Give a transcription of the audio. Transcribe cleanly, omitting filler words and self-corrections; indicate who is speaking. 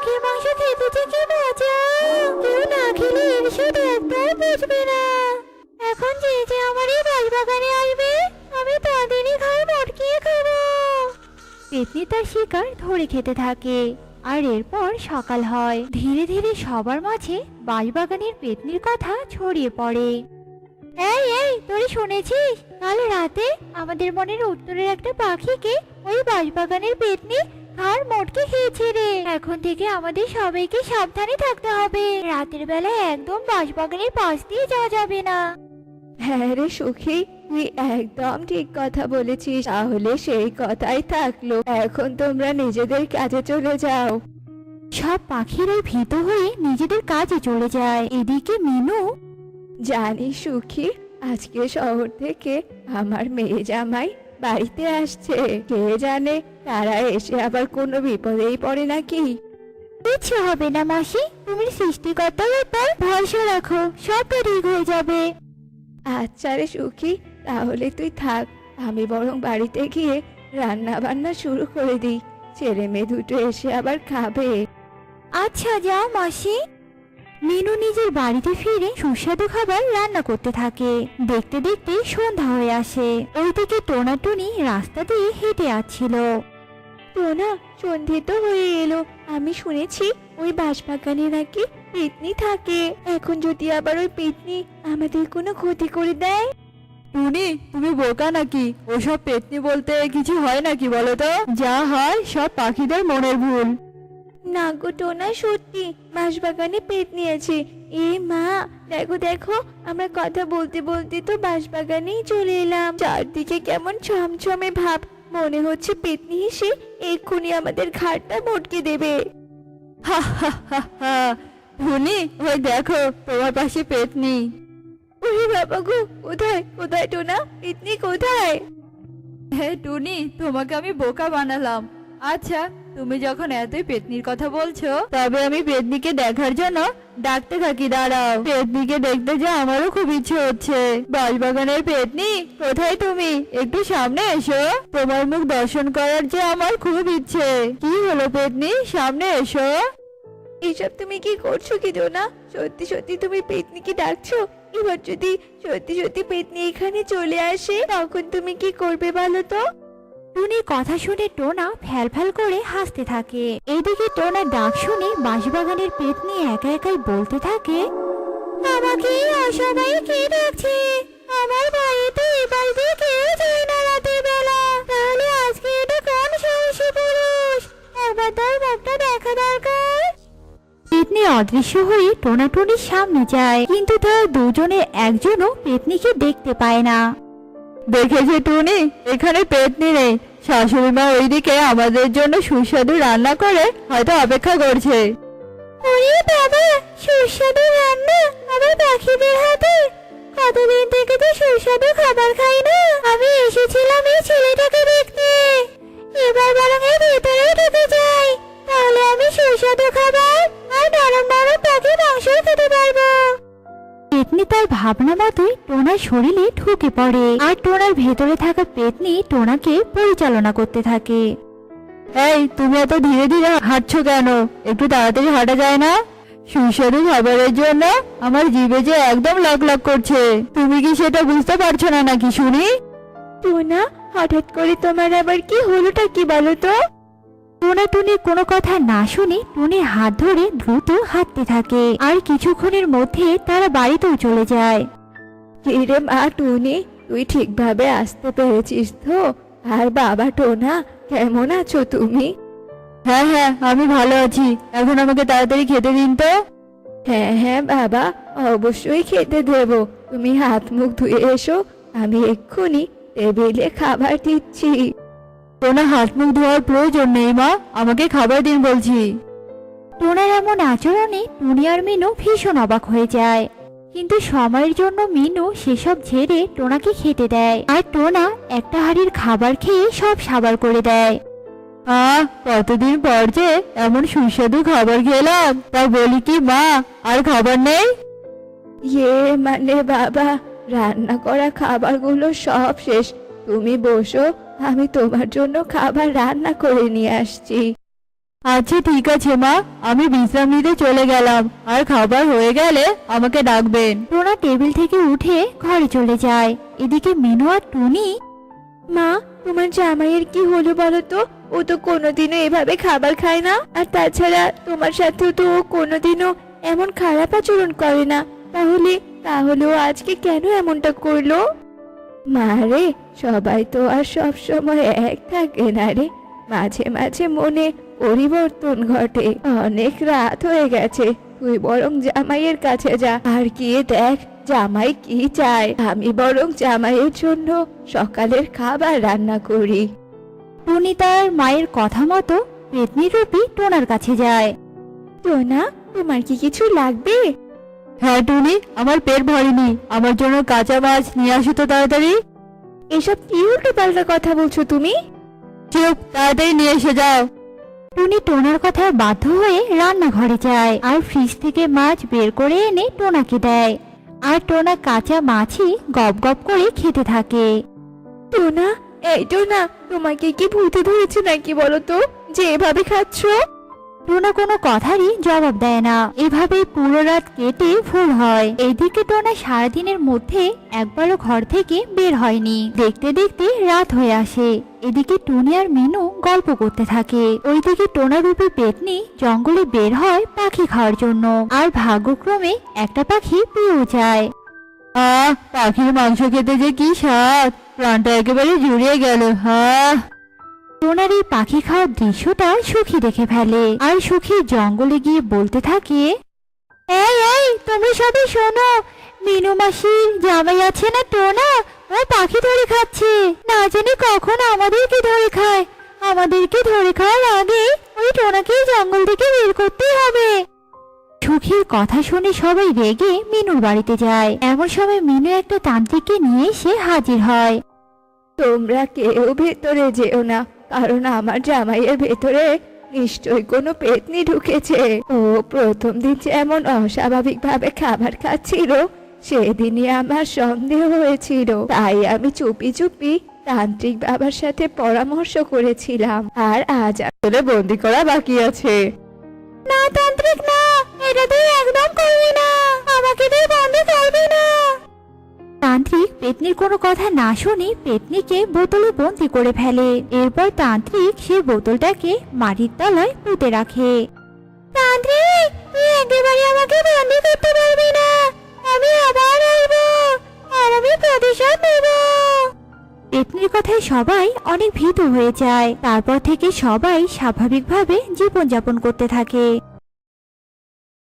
Speaker 1: মুরগির মাংস খেতে যে কি মজা! কেউ না খেলে এর স্বাদ একদম বুঝবে না। এখন যে যে আমার এই বাগানে আসবে, আমি তাদেরই ঘাড় মটকিয়ে খাবো। পেতনি তার শিকার ধরে খেতে থাকে। আর এরপর সকাল হয়। ধীরে ধীরে সবার মাঝে বাঁশবাগানের পেতনির কথা ছড়িয়ে পড়ে। এই এই, তুই শুনেছিস কাল রাতে আমাদের মনের উত্তরের একটা পাখিকে ওই বাঁশবাগানের পেতনি ঘাড় মটকে খেয়েছে রে। এখন থেকে আমাদের সবাইকে সাবধানে থাকতে হবে। রাতের বেলা একদম বাঁশবাগানের পাশ দিয়ে যাওয়া যাবে না।
Speaker 2: হ্যাঁ রে সুখী, তুই একদম ঠিক কথা বলেছিস। তাহলে সেই কথাই থাকলো। এখন তোমরা নিজেদের কাজে চলে যাও।
Speaker 1: সব পাখিরাই ভীত হয়ে নিজেদের কাজে চলে যায়। এদিকে মিনু,
Speaker 2: জানিস সুখী, আজকে শহর থেকে আমার মেয়ে জামাই বাড়িতে আসছে। কে জানে তারা এসে আবার কোনো বিপদেই পড়ে নাকি।
Speaker 1: কিচ্ছু হবে না মাসি, তুমি সৃষ্টিকর্তার উপর ভরসা রাখো, সবটা ঠিক হয়ে যাবে।
Speaker 2: আচ্ছা রে সুখী, তাহলে তুই থাক। আমি বরং বাড়িতে গিয়ে রান্না বান্না শুরু করে দিই। ছেলে মেয়ে দুটো এসে আবার খাবে।
Speaker 1: আচ্ছা যাও মাসি। মিনু নিজের বাড়িতে ফিরে সুস্বাদু খাবার রান্না করতে থাকে। দেখতে দেখতে সন্ধ্যা হয়ে আসে। ওইদিকে টোনাটুনি রাস্তা দিয়ে হেঁটে আসছিল।
Speaker 2: টোনা, সন্ধে তো হয়ে এলো। আমি শুনেছি ওই বাঁশবাগানে নাকি পেতনি থাকে। এখন যদি আবার ওই পেতনি আমাদের কোনো ক্ষতি করে দেয়।
Speaker 3: টুনি, তুমি বোকা নাকি? ওসব পেতনি বলতে কিছু হয় নাকি বলো তো? যা হয় সব পাখিদের মনের ভুল।
Speaker 2: না গো টোনা, সত্যি বাঁশবাগানে পেতনি আছে। এ মা, দেখো দেখো, আমরা কথা বলতে বলতে তো বাঁশবাগানেই চলে এলাম। চারদিকে কেমন ছমছমে ভাব, মনে হচ্ছে পেতনি এসে এক্ষুনি আমাদের ঘাড়টা মটকে দেবে।
Speaker 3: হা হা হা হা। টুনি, ওই দেখো তোমার পাশে পেতনি।
Speaker 2: ওরে বাবা গো, কোথায় কোথায় টোনা, পেতনি কোথায়?
Speaker 3: হ্যাঁ টুনি, তোমাকে আমি বোকা বানালাম। আচ্ছা, তুমি যখন এতই পেতনির কথা বলছো, তবে আমি পেতনিকে দেখার জন্য ডাকতে থাকি। দাঁড়াও, পেতনিকে দেখতে যে আমারও খুব ইচ্ছে হচ্ছে। বাঁশবাগানের পেতনি, কোথায় তুমি? একটু সামনে এসো। তোমার মুখ দর্শন করার যে আমার খুব ইচ্ছে। কি হলো পেতনি, সামনে এসো।
Speaker 2: এসব তুমি কি করছো কি টোনা? সত্যি সত্যি তুমি পেতনিকে ডাকছো? এবার যদি সত্যি সত্যি পেতনি এখানে চলে আসে, তখন তুমি কি করবে বলো তো?
Speaker 1: টুনির কথা শুনে টোনা ফ্যাল করে হাসতে থাকে। এদিকে টোনার ডাক শুনে বাঁশবাগানের পেতনি একা একাই বলতে থাকে, আমাকে সবাই কে ডাকছে? আমার বাড়িতে এবার দিয়ে কেউ যায় না রাতের বেলা। তাহলে আজকে এটা কোন সাহসী পুরুষ? একবার তার মুখটা দেখা দরকার। পেতনি অদৃশ্য হয়ে টোনাটুনির সামনে যায়, কিন্তু তারা দুজনের একজনও পেতনিকে দেখতে পায় না।
Speaker 3: দেখেছে টুনি, এখানে পেতনি নেই। শাশুড়ি মা ওইদিকে আমাদের জন্য সুস্বাদু রান্না করে হয়তো অপেক্ষা করছে।
Speaker 1: ওরে বাবা, সুস্বাদু রান্না আবার পাখিদের হাতে! কতদিন থেকে তো সুস্বাদু খাবার খাই না। আমি এসেছিলাম এই ছেলেটাকে দেখতে। এবার বরং এর ভেতরে ঢুকে যাই, তাহলে আমি সুস্বাদু খাবার আর নরম নরম পাখি মাংস খেতে পারবো। পেতনি তার ভাবনা মতোই টোনার শরীরে ঢুকে পড়ে, আর টোনার ভেতরে থাকা পেতনি টোনাকে পরিচালনা করতে থাকে।
Speaker 3: এই, তুমি এত ধীরে ধীরে হাঁটছো কেন? একটু তাড়াতাড়ি হাঁটা যায় না? সুস্বাদু খাবারের জন্য আমার জিভে যে একদম লক লক করছে। তুমি কি সেটা বুঝতে পারছো না নাকি শুনি?
Speaker 2: টোনা, হঠাৎ করে তোমার আবার কি হলোটা কি বলো তো?
Speaker 1: টোনাটুনির কোনো কথা না শুনে টুনির হাত ধরে দ্রুত হাঁটতে থাকে, আর কিছুক্ষণের মধ্যে তারা বাড়িতেও চলে যায়।
Speaker 2: কিরে মা টুনি, তুই ঠিকভাবে আসতে পেরেছিস তো? আর বাবা টোনা, কেমন আছো তুমি?
Speaker 3: হ্যাঁ হ্যাঁ, আমি ভালো আছি। এখন আমাকে তাড়াতাড়ি খেতে দিন তো।
Speaker 2: হ্যাঁ হ্যাঁ বাবা, অবশ্যই খেতে দেবো। তুমি হাত মুখ ধুয়ে এসো, আমি এক্ষুনি টেবিলে খাবার দিচ্ছি।
Speaker 3: কোনো হাত মুখ ধোয়ার প্রয়োজন নেই মা, আমাকে খাবার দিন বলছি।
Speaker 1: টোনার এমন আচরণে টুনি আর মিনু ভীষণ অবাক হয়ে যায়, কিন্তু সময়ের জন্য মিনু সেসব ঝেড়ে টোনাকে খেতে দেয়, আর টোনা একটা হাঁড়ির খাবার খেয়ে সব সাবার করে দেয়।
Speaker 3: কতদিন পর যে এমন সুস্বাদু খাবার খেলাম, তা বলি কি মা, আর খাবার নেই?
Speaker 2: ইয়ে মানে বাবা, রান্না করা খাবারগুলো সব শেষ। তুমি বসো, আমি তোমার জন্য খাবার রান্না করে নিয়ে আসছি।
Speaker 3: আচ্ছা ঠিক আছে মা, আমি বিশ্রাম নিতে চলে গেলাম, আর খাবার হয়ে গেলে আমাকে ডাকবেন।
Speaker 2: টোনা টেবিল থেকে উঠে ঘরে চলে যায়। এদিকে মিনু আর টুনি, মা তোমার জামাইয়ের কি হলো বলো তো? ও তো কোনোদিনও এভাবে খাবার খায় না, আর তাছাড়া তোমার সাথেও তো ও কোনোদিনও এমন খারাপ আচরণ করে না। তাহলে তাহলে ও আজকে কেন এমনটা করলো? মা রে, সবাই তো আর সব সময় এক থাকে না রে, মাঝে মাঝে মনে পরিবর্তন ঘটে। অনেক রাত হয়ে গেছে, তুই বরং জামাইয়ের কাছে যা আর গিয়ে দেখ জামাই কি চায়। আমি বরং জামাইয়ের জন্য সকালের খাবার রান্না করি।
Speaker 1: টুনি তার মায়ের কথা মতো পেতনি রূপী টোনার কাছে যায়।
Speaker 2: টোনা, তোমার কি কিছু লাগবে?
Speaker 3: হ্যাঁ টুনি, আমার পেট ভরেনি, আমার জন্য কাঁচা মাছ নিয়ে আসো তো তাড়াতাড়ি।
Speaker 2: এসব কি উল্টো পাল্টা কথা বলছো তুমি?
Speaker 3: চুপ, তাড়াতাড়ি নিয়ে এসে যাও।
Speaker 1: টুনি টোনার কথায় বাধ্য হয়ে রান্নাঘরে যায় আর ফ্রিজ থেকে মাছ বের করে এনে টোনাকে দেয়। আর টোনা কাঁচা মাছই গপ গপ করে খেতে থাকে।
Speaker 2: টোনা, এই টোনা, তোমাকে কি ভূতে ধরেছে নাকি বলো তো, যে এভাবে খাচ্ছো?
Speaker 1: টোনা কোনো কথারই জবাব দেয় না। এভাবে পুরো রাত কেটে ভোর হয়। এইদিকে টোনা সারাদিনের মধ্যে একবারও ঘর থেকে বের হয়নি। দেখতে দেখতে রাত হয়ে আসে। এদিকে টুনি আর মিনু গল্প করতে থাকে। ওইদিকে টোনা রূপী পেতনি জঙ্গলে বের হয় পাখি খাওয়ার জন্য। আর ভাগ্যক্রমে একটা পাখি পেয়েও যায়।
Speaker 3: পাখির মাংস খেতে যে কি স্বাদ, প্রাণটা একেবারে জুড়িয়ে গেল।
Speaker 1: টোনার এই পাখি খাওয়ার দৃশ্যটা সুখী দেখে ফেলে। আর সুখী জঙ্গলে গিয়ে বলতে থাকে, এই এই তুমি সবাই শোনো, মিনু মাসির জামাই আছে না টোনা, ও পাখি ধরে খাচ্ছে। না জানি কখন আমাদেরকে ধরে খায়। আমাদেরকে ধরে খাওয়ার আগে ওই টোনাকে জঙ্গল থেকে বের করতেই হবে। সুখীর কথা শুনে সবাই রেগে মিনুর বাড়িতে যায়। এমন সময় মিনু একটা তান্ত্রিককে নিয়ে এসে হাজির হয়।
Speaker 2: তোমরা কেউ ভেতরে যেও না, কারণ আমার জামাইয়ের ভেতরে নিশ্চয়ই কোনো পেতনি ঢুকেছে। ও প্রথম দিন যেমন অস্বাভাবিক ভাবে খাবার খাচ্ছিল, সেদিনই আমার সন্দেহ হয়েছিল। তাই আমি চুপি চুপি তান্ত্রিক বাবার সাথে পরামর্শ করেছিলাম, আর আজ আসলে বন্দি করা বাকি আছে।
Speaker 1: না তান্ত্রিক না, এটা তুই একদম করবি না, আমাকে তুই বন্দি করবি না। তান্ত্রিক পেতনির কোনো কথা না শুনে পেতনিকে বোতলে বন্দি করে ফেলে। এরপর তান্ত্রিক সেই বোতলটাকে মাটির তলায় পুঁতে রাখে। তান্ত্রিক, তুই একেবারে আমাকে বন্দি করতে পারবি না, আমি আবার আসবো, আর আমি প্রতিশোধ নেব। পেতনির কথায় সবাই অনেক ভীত হয়ে যায়। তারপর থেকে সবাই স্বাভাবিকভাবে জীবনযাপন করতে থাকে।